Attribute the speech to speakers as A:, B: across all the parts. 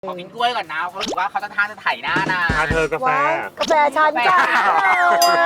A: ขอกินกล้วยก่อนนะเขาถือว่าเขาจะทานจะไถหน้านะ
B: เธอกาแฟ
C: กาแฟฉันจ้า
B: แม่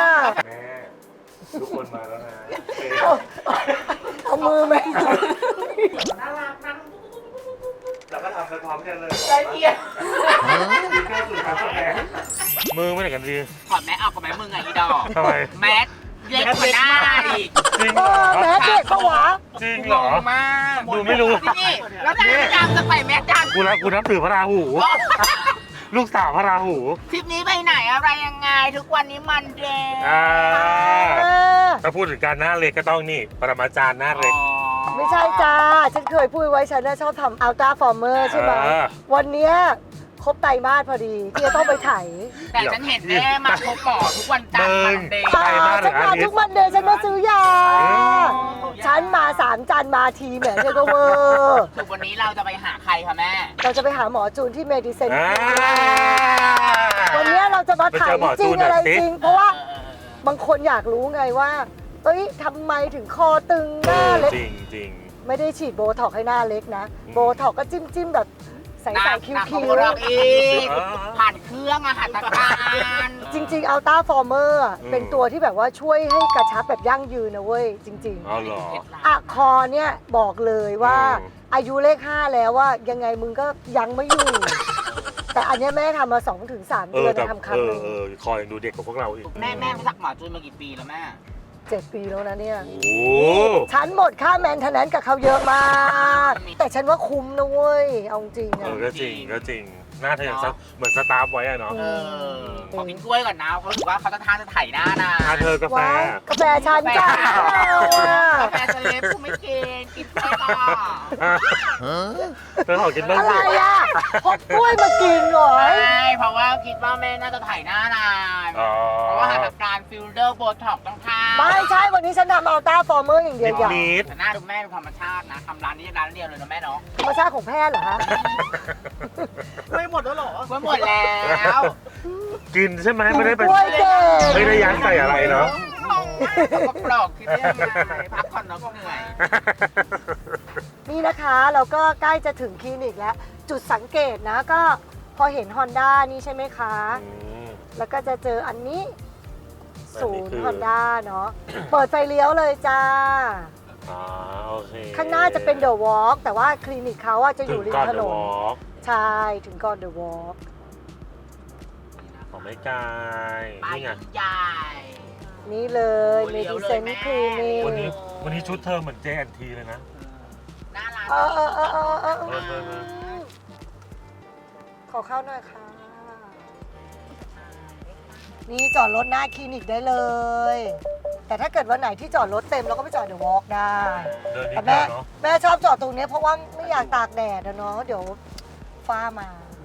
B: ทุกคนมาแล้วนะ
C: เอามือไหม
A: น่ารักนะ
B: เราก็ทำไปพร้อมกันเลย
A: ใจเย็น
B: ดีแค่สุดท้ายกาแฟมือไม่ไหนกันดี
A: ถอดแมสออกกับแมสมึงไงอีดอก
B: ทำไม
A: แมสเล็กกว่าหน้าอีก
B: จริงเหรอ
C: แม่เด็กปะวะ
B: จริงเหรอ
A: มาก
B: ดูไม่รู้
A: นี่แล้วนายพยายามจะใส่แมสดัน
B: กูนับถือพระราหู ลูกสาวพระราหู
A: ทริปนี้ไปไหนอะไรยังไงทุกวันนี้มันเดย์
B: ถ้าพูดถึงการหน้าเล็กก็ต้องนี่ปรมาจารย์หน้าเล็ก
C: ไม่ใช่จ้า ฉันเคยพูดไว้ฉันน่ะชอบทำอัลตร้าฟอร์เมอร์ใช่ไหม วันเนี้ยครบไตรมาสพอดีที่จะต้องไปไถ
A: แต่ฉันเห็นแม่มาพบหมอทุกวันจันทร์มันเดย์
B: ไตรมาสหรือ
C: ฉันมา
B: อาทิตย์
C: ทุกวันเดย์ฉันมาซื้อยา ฉันมา3 จันทร์มาทีแหมเธอก็เวอร์
A: ถูกวันนี้เราจะไปหาใครคะแม่
C: เราจะไปหาหมอจูนที่เมดิเซน
B: อ่า
C: วันเนี้ยเราจะมาไถ
B: ไปเจอหมอ
C: จ
B: จู
C: ริง
B: นหน่อย
C: อะไร
B: สิ
C: จริง เพราะว่าบางคนอยากรู้ไงว่า เอ้ยทำไมถึงคอตึงหน้าเล็ก
B: จริงจริง
C: ไม่ได้ฉีดโบท็อกให้หน้าเล็กนะ
B: อืม
C: โบท็อกก็จิ้มแบบใส่คิ้ว
A: หนัก
C: คิ้
A: กว่าเราอีก
B: อ่า
A: ผ่านเครื่องอาหารตะการ
C: จริงๆอัลต้าฟอร์เมอร์
B: อืม
C: เป็นตัวที่แบบว่าช่วยให้กระชับแบบยั่งยืนนะเว้ย จริง
B: อ๋อเหรอ
C: ๆอะคอเนี่ยบอกเลยว่า
B: อืม
C: อายุเลข 5 แล้วว่ายังไงมึงก็ยังไม่อยู่ แต่อันเนี้ยแม่ทำมา 2-3 เดือน
B: แต่
C: ทำครั้งหนึ่ง
B: คอยังดูเด็กกว่าพวกเราอีก
A: แม่รู้จักหมอจูนมากี่ปีแล้วแม่
C: 7 ปีแล้วนะเนี่ย
B: โอ้
C: ฉันหมดค่าแมนเทนแนนซ์กับเขาเยอะมาก แต่ฉันว่าคุ้มนะเว้ย เอาจริงอะ
B: ก็จริงก็จริงหน้าเธอยังเหมือนสตาร์ฟไว้อะเนาะ
A: เออขอกินกล้วยก่อนนะเขาถือว่าเขาจะทานจะไถหน้านะ
B: เธอกาแฟ
C: ว้ายกาแฟฉันจ้า
A: กาแฟสเลปกูไม่กินกินกล้วยก่อน
B: เธอขอกินบ้าง
C: อะไร
B: สิ
C: อ่ะพกกล้วยมากินเหรอ
A: ใช่เพราะว่าคิดว่าแม่น่าจะไถหน้านาน
B: อ๋อ
A: เพราะว่าหาการฟิลเตอร์โบท็อกต้องทา
C: ไม่ใช่วันนี้ฉันทำอัลต้าฟอร์เมอร์อย่างเดียวอย่าง
B: นิด
A: แต่หน้าดูแม่ดูธรรมชาตินะทำร้านนี้ร้านเดียวเลยนะแม่เนาะ
C: ธรรมชาติของแพทย์เหรอฮะ
A: ไม่หมดแล้วหรอไม่หมดแล้ว
B: กินใช่ไหมไม่ได้เป็น
C: กล้วยเก่ง
B: ไม่ได้ยัดใส่อะไรเนาะ
A: ปลอกคิดได้ยังไงพักผ่อนเนาะก็เหนื่อย
C: นี่นะคะเราก็ใกล้จะถึงคลินิกแล้ว จุดสังเกตนะก็พอเห็น Honda นี่ใช่ไหมคะ แล้วก็จะเจออันนี้ศูนย์ Honda เนาะ เปิดไฟเลี้ยวเลยจ้า
B: อ๋อโอเค
C: ข้างหน้าจะเป็น The Walk แต่ว่าคลินิกเขาอะจะอยู่ริมถนน
B: น
C: ใช่ถึงก่อน The Walk
B: ของไม่ไกล
A: ไป
B: นี่ไง
A: ใหญ่
C: นี่เลย
A: โอ้ยเลี้ยวเลย
C: Medicine
A: แม่
C: Clinic
B: วันนี้ชุดเธอเหมือน JNT เลยนะ
A: น่ารัก
C: ขอเข้าหน่อยค่ะ นี่จอดรถหน้าคลินิกได้เลย แต่ถ้าเกิดวันไหนที่จอดรถเต็มเราก็ไปจอดเดอะวอล์กได้
B: เดินนิ
C: แต่
B: ดเดี
C: แม่
B: ยวเนาะ
C: แม่ชอบจอดตรงนี้เพราะว่าไม่อยากตากแดดอะเนาะเดี๋ยวฟ้ามา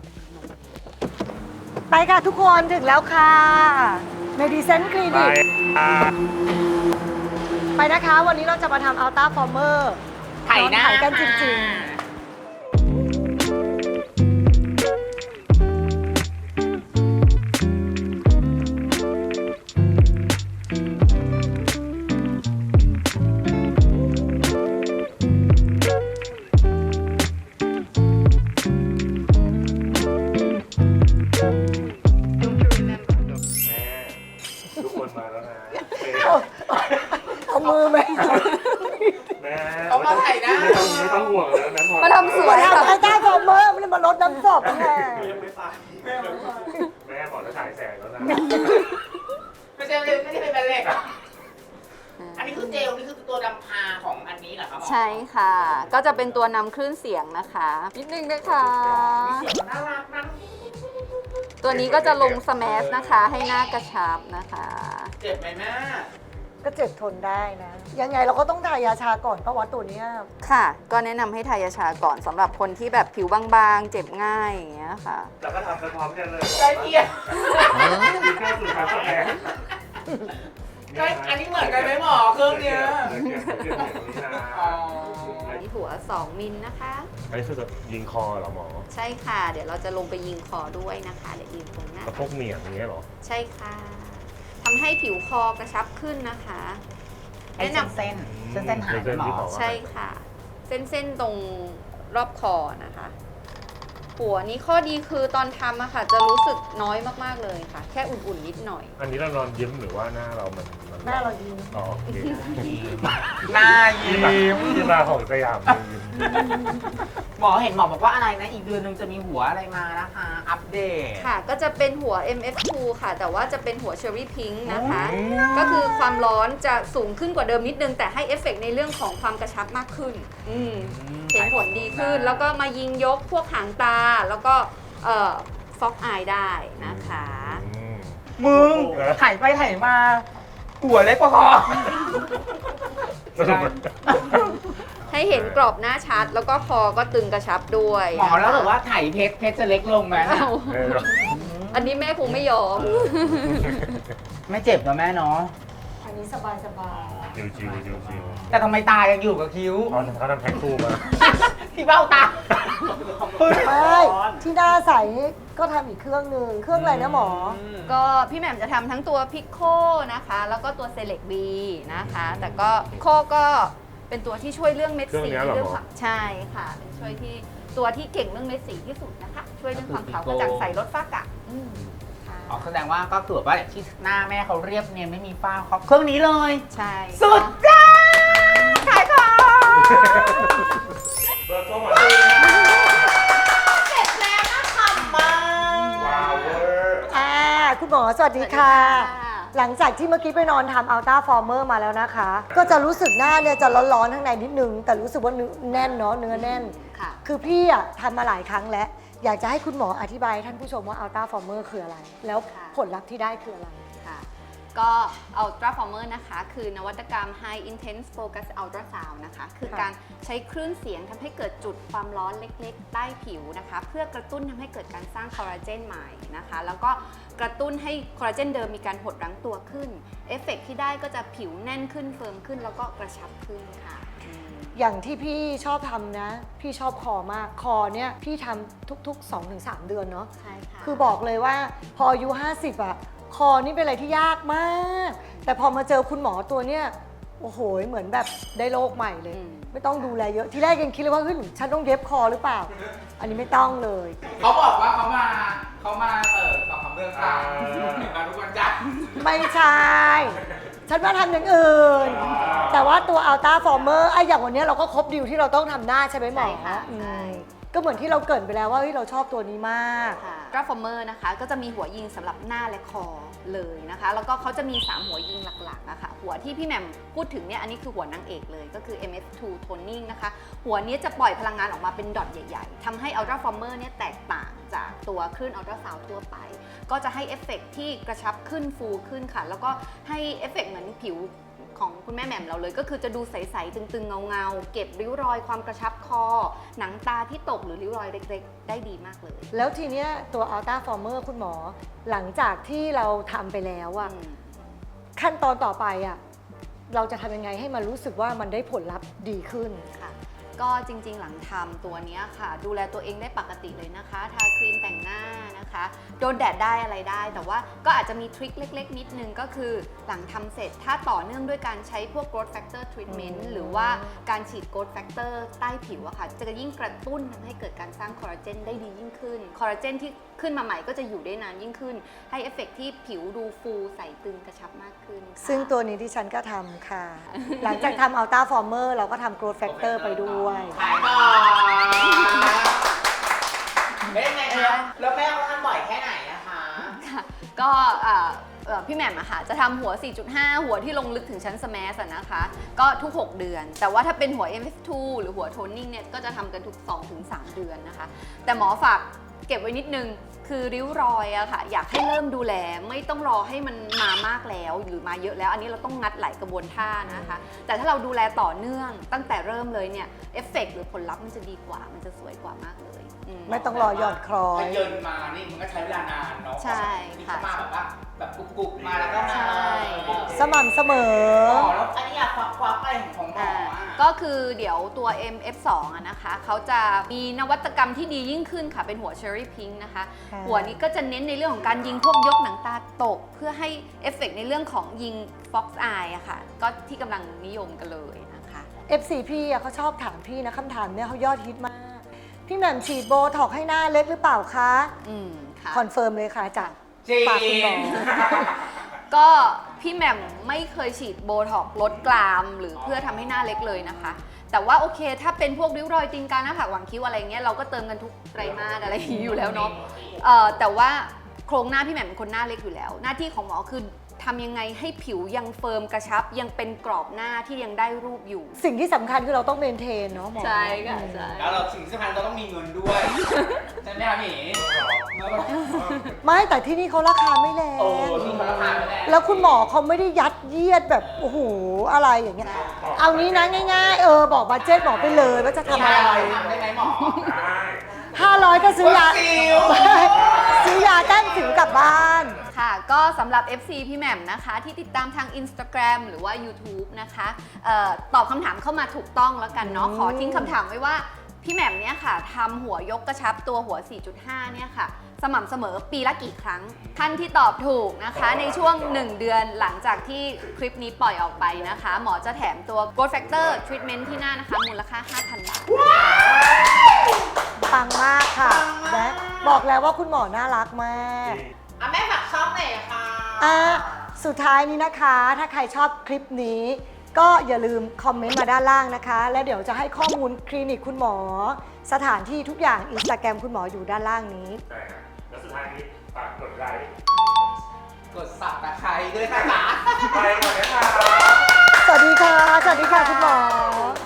C: ไปค่ะทุกคนถึงแล้วค่ะ Medicine
B: ไป
C: Clinic ไปนะคะ วันนี้เราจะมาทำ Ultra Former
A: ไถหน้า
C: ไถกันจริง
B: ทุกคนมาแล้วนะ
C: เอามือไหม
B: แม่
A: เอามาไถหน้า
B: ไม่ต้องห่วงแล้วนะ
D: มาทำสวย
C: ทำ
D: ค่ะ
C: Ultra Former ไม่ได้มาลดน้ำศพแม่
B: แม่บอกจะถ่ายแสงแล้วนะ
A: ไม่ใช่เลยไม่ได้เป็นแบนเหล็กอ่ะอันนี้คือเจลนี่คือตัวดำพาของอันนี้เหรอครับหมอ
D: ใช่ค่ะ ก็จะเป็นตัวนำคลื่นเสียงนะคะนิดนึงนะคะ
A: เสียงน่ารักนะ
D: ตัวนี้ก็จะลงสแมสนะคะ ให้หน้ากระชับนะคะ
A: เจ็บไหมแม่
C: ก็เจ็บทนได้นะ ยังไงเราก็ต้องทายาชาก่อนเพราะว่าตัวเนี้ย
D: ค่ะ ก็แนะนำให้ทายาชาก่อนสำหรับคนที่แบบผิวบางๆ เจ็บง่ายอย่างเงี้ยค่ะ
B: เราก็ทำไปพร้อมกันเลย
A: ใจเย็น
B: ดีแค่สุดท้ายกาแฟ
A: อันนี้เหมือนกันไหมหมอเครื่องเนี้ย อ๋อ
D: มีหัว 2 มิลนะคะ
B: อันนี้คือจะยิงคอเหรอหมอ
D: ใช่ค่ะ เดี๋ยวเราจะลงไปยิงคอด้วยนะคะ เดี๋ยวยิงตรงหน้า
B: กระพกเหนียงอย่างเงี้ยเหรอ
D: ใช่ค่ะทำให้ผิวคอกระชับขึ้นนะคะ
A: ไอ้เส้นหายไหมหมอ
D: ใช่ค่ะ เส้นๆตรงรอบคอนะคะหัวนี้ข้อดีคือตอนทำอะค่ะจะรู้สึกน้อยมากๆเลยค่ะ แค่อุ่นๆนิดหน่อย
B: อันนี้เรานอนยิ้มหรือว่าหน้าเรามัน
C: หน้าเรายิ้ม
B: อ๋อโอเค
A: หน้ายิ้ม
B: ที่มาของสยามยิ้ม
A: หมอเห็นหมอบอกว่าอะไรนะ อีกเดือนหนึงจะมีหัวอะไรมานะคะ อัปเดต
D: ค่ะ ก็จะเป็นหัว MF2 ค่ะ แต่ว่าจะเป็นหัวเชอร์รี่พิงค์นะคะ ก็คือความร้อนจะสูงขึ้นกว่าเดิมนิดนึง แต่ให้เอฟเฟกต์ในเรื่องของความกระชับมากขึ้น เห็นผลดีขึ้น แล้วก็มายิงยกพวกหางตา แล้วก็ฟอกอายได้นะคะ
A: มึงถ่ายไปถ่ายมาหัวเล็กกว่าคอ
B: สรุป
D: ให้เห็นกรอบหน้าชัด แล้วก็คอก็ตึงกระชับด้วย
A: หมอแล้วบอกว่าถ่ายเพชรจะเล็กลงไหม
D: อ้าว
B: เออ
D: อันนี้แม่คงไม่ยอม
A: ไม่เจ็บนะแม่เนาะ
C: อันนี้สบาย
B: จิวจิวจิวจิว
A: แต่ทำไมตายังอยู่กับคิ้ว
B: เขาทำแพ็คคู่มา
A: ที่เบ้าตา
C: ๆไม่ที่หน้าใสก็ทำอีกเครื่องหนึ่งเครื่องอะไรนะหมอ
D: ก็พี่แหม่มจะทำทั้งตัวพิ c โคนะคะ แล้วก็ตัวเซเล็กบีนะคะ แต่ก็โคก็เป็นตัวที่ช่วยเรื่องเม็ดสีเรื่องความใช่ค่ะ เป็นช่วยที่ตัวที่เก่งเรื่องเม็ดสีที่สุดนะคะ ช่วยเรื่องความขาวกระจ่างใสลดฝ้ากระค่ะ
A: อ๋อแสดงว่าก็คือแบบว่าที่หน้าแม่เขาเรียบเนียนไม่มีฝ้าเขาเครื่องนี้เลย
D: ใช่
A: สุดจ้าขายของ
B: เปิดตัวมา
A: เสร็จแล้วนะทำมา
B: ว้าวเวอร์
C: คุณหมอสวัสดีค่ะ หลังจากที่เมื่อกี้ไปนอนทำอัลต้าฟอร์เมอร์มาแล้วนะคะ ก็จะรู้สึกหน้าเนี่ยจะร้อนๆข้างในนิดนึง แต่รู้สึกว่าเนื้อแน่นเนาะเนื้อแน่น
D: ค่ะ
C: คือพี่อะทำมาหลายครั้งแล้ว อยากจะให้คุณหมออธิบายให้ท่านผู้ชมว่าอัลต้าฟอร์เมอร์คืออะไร แล้วผลลัพธ์ที่ได้คืออะไร
D: ค่ะก็ Ultra Former นะคะ คือนวัตกรรม High Intense Focus Ultrasound นะคะ คือการใช้คลื่นเสียงทำให้เกิดจุดความร้อนเล็กๆ ใต้ผิวนะคะ เพื่อกระตุ้นทำให้เกิดการสร้างคอลลาเจนใหม่นะคะ แล้วก็กระตุ้นให้คอลลาเจนเดิมมีการหดรั้งตัวขึ้น เอฟเฟกต์ที่ได้ก็จะผิวแน่นขึ้นเฟิร์มขึ้น แล้วก็กระชับขึ้นค่ะ
C: อย่างที่พี่ชอบทำนะ พี่ชอบคอมาก คอเนี่ยพี่ทำทุกๆ 2-3 เดือนเนาะ
D: ใช่ค่ะ
C: คือบอกเลยว่าพออายุ50อะคอนี่เป็นอะไรที่ยากมาก แต่พอมาเจอคุณหมอตัวเนี้ยโอ้โหเหมือนแบบได้โลกใหม่เลย ไม่ต้องดูแลเยอะที่แรกยังคิดเลยว่าเฮ้ยฉันต้องเย็บคอหรือเปล่า อันนี้ไม่ต้องเลย
A: เขาบอกว่าเขามาตอบคำเรื่องราวมาทุกวันจันทร์
C: ไม่ใช่ ฉันว่าทำอย่างอื่น แต่ว่าตัวอัลต้าฟอร์เมอร์ไอ้อย่างวันนี้เราก็ครบดีลที่เราต้องทำหน้าใช่ไหมหมอ
D: ใช่ค่ะ
C: อืม
D: ใช่
C: ก็เหมือนที่เราเกริดไปแล้วว่าเฮ้ยเราชอบตัวนี้มาก
D: ค่ะ Ultra Former นะคะ ก็จะมีหัวยิงสำหรับหน้าและคอเลยนะคะ แล้วก็เขาจะมี 3 หัวยิงหลักๆนะคะหัวที่พี่แหม่มพูดถึงเนี่ย อันนี้คือหัวนางเอกเลย ก็คือ MF2 Toning นะคะ หัวนี้จะปล่อยพลังงานออกมาเป็นดอทใหญ่ๆทำให้ Ultra Former เนี่ยแตกต่างจากตัวคลื่น Ultra Sound ทั่วไป ก็จะให้เอฟเฟกต์ที่กระชับขึ้นฟูขึ้นค่ะ แล้วก็ให้เอฟเฟกต์เหมือนผิวของคุณแม่แหม่มเราเลย ก็คือจะดูใสๆตึงๆเงาๆเก็บริ้วรอยความกระชับคอ หนังตาที่ตกหรือริ้วรอยเล็กๆ ได้ดีมากเลย
C: แล้วทีเนี้ยตัวอัลต้าฟอร์เมอร์คุณหมอ หลังจากที่เราทำไปแล้วอะขั้นตอนต่อไปอะเราจะทำยังไงให้มันรู้สึกว่ามันได้ผลลัพธ์ดีขึ้น
D: ค่ะก็จริงๆหลังทำตัวนี้ค่ะ ดูแลตัวเองได้ปกติเลยนะคะ ทาครีมแต่งหน้านะคะ โดนแดดได้อะไรได้ แต่ว่าก็อาจจะมีทริคเล็กๆ นิดนึงก็คือหลังทำเสร็จถ้าต่อเนื่องด้วยการใช้พวก growth factor treatment หรือว่าการฉีด growth factor ใต้ผิวอะค่ะ จะยิ่งกระตุ้นทำให้เกิดการสร้างคอลลาเจนได้ดียิ่งขึ้นคอลลาเจนที่ขึ้นมาใหม่ก็จะอยู่ได้นานยิ่งขึ้น ให้เอฟเฟกต์ที่ผิวดูฟูใสตึงกระชับมากขึ้นค่ะ
C: ซึ่งตัวนี้ที่ฉันก็ทำค่ะ หลังจากทำอัลต้าฟอร์เมอร์เราก็ทำ growth factor ไปด้วย
A: ขายก่อนเป็นยังไงคะแล้วแม่เขาทำบ่อยแค่ไหนนะคะ
D: ค่ะก็พี่แหม่มอะค่ะจะทำหัว 4.5 หัวที่ลงลึกถึงชั้นสแมสนะคะ ก็ทุก 6 เดือน แต่ว่าถ้าเป็นหัว MF2 หรือหัวโทนนิ่งเนี่ยก็จะทำกันทุก 2-3 เดือนนะคะ แต่หมอฝากเก็บไว้นิดนึง คือริ้วรอยอะค่ะ อยากให้เริ่มดูแลไม่ต้องรอให้มันมามากแล้วหรือมาเยอะแล้ว อันนี้เราต้องงัดหลายกระบวนท่านะคะ แต่ถ้าเราดูแลต่อเนื่องตั้งแต่เริ่มเลยเนี่ยเอฟเฟกต์หรือผลลัพธ์มันจะดีกว่ามันจะสวยกว่ามากเลย
C: ไม่ต้องรอหยอดคลอ
A: ถ้าย เยินมานี่มันก็ใช้เวลานานเนาะ
D: ใช่ค่ะ
A: นี่เขามาแบบว่าแบบกุกๆมาแล้วก็มา
D: ใช่
C: สม่ำเสมอ
A: แล้วอันนี้อยากควักอะไรของหมออะ
D: ก็คือเดี๋ยวตัว MF2 อะนะคะเขาจะมีนวัตกรรมที่ดียิ่งขึ้นค่ะ เป็นหัว Cherry Pink นะคะ
C: ค่ะ
D: หัวนี้ก็จะเน้นในเรื่องของการยิงพวกยกหนังตาตก เพื่อให้เอฟเฟกต์ในเรื่องของยิง Fox Eye อะค่ะ ก็ที่กำลังนิยมกันเลยนะคะ
C: FCP อะเขาชอบถามพี่นะคำถามเนี่ยเขายอดฮิตมากพี่แหม่มฉีดโบท็อกซ์ให้หน้าเล็กหรือเปล่าคะ
D: ค่ะ
C: คอนเฟิร์มเลยค่ะจาก
A: จริง
C: ปากคุณหมอ
D: ก็พี่แหม่มไม่เคยฉีดโบท็อกซ์ลดกรามหรือเพื่อทำให้หน้าเล็กเลยนะคะ แต่ว่าโอเคถ้าเป็นพวกริ้วรอยตีนกาหน้าผากหว่างคิ้วอะไรเงี้ยเราก็เติมกันทุกไตรมาสอะไรอย่างนี้อยู่แล้วเนาะแต่ว่าโครงหน้าพี่แหม่มเป็นคนหน้าเล็กอยู่แล้ว หน้าที่ของหมอคือทำยังไงให้ผิวยังเฟิร์มกระชับยังเป็นกรอบหน้าที่ยังได้รูปอยู่
C: สิ่งที่สำคัญคือเราต้องเมนเทนเนาะหมอ
D: ใช่ค่ะใช่
A: แล้วเราสิ่งที่สำคัญเราต้องมีเงินด้วย ใช่ไหมคะหมี
C: ไม่แต่ที่นี่เขาราคาไม่แร
A: โอ้
C: ง
A: ที่เขาราคาไม่แรง
C: แล้วคุณหมอเขาไม่ได้ยัดเยียดแบบโอ้โหอะไรอย่างเงี้ยเอานี้นะง่ายๆบอกบัดเจ็ตบอกไปเลยว่าจะทำอะไร
A: ทำได้ไหมหมอ
C: 500 ก็ซื้อยา
A: ซิว
C: ซื้อยาแต้มสิวกลับบ้าน
D: ค่ะก็สำหรับ FC พี่แหม่มนะคะ ที่ติดตามทาง Instagram หรือว่า YouTube นะคะตอบคำถามเข้ามาถูกต้องแล้วกันเนาะขอทิ้งคำถามไว้ว่าพี่แหม่มเนี่ยค่ะทำหัวยกกระชับตัวหัว 4.5 เนี่ยค่ะ สม่ำเสมอปีละกี่ครั้ง ท่านที่ตอบถูกนะคะ ในช่วง 1 เดือนหลังจากที่คลิปนี้ปล่อยออกไปนะคะ หมอจะแถมตัว Growth Factor Treatment ที่หน้านะคะ มูลค่า 5,000 บาท
C: ปังมากค่ะนะบอกแล้วว่าคุณหมอน่ารักมาก
A: อ่ะแม่ฝากช่องหน่อยค่ะ
C: สุดท้ายนี้นะคะ ถ้าใครชอบคลิปนี้ ก็อย่าลืมคอมเมนต์มาด้านล่างนะคะ แล้วเดี๋ยวจะให้ข้อมูลคลินิกคุณหมอ สถานที่ทุกอย่าง Instagram คุณหมออยู่ด้านล่างนี้
B: ใช่ครับแล้วสุดท้ายนี้ฝากกดไลค์
A: กดสับตะไคร้ด้วยนะคะ
B: ไปก่อนนะคะ
C: สวัสดีค่ะ สวัสดีค่ะคุณหมอ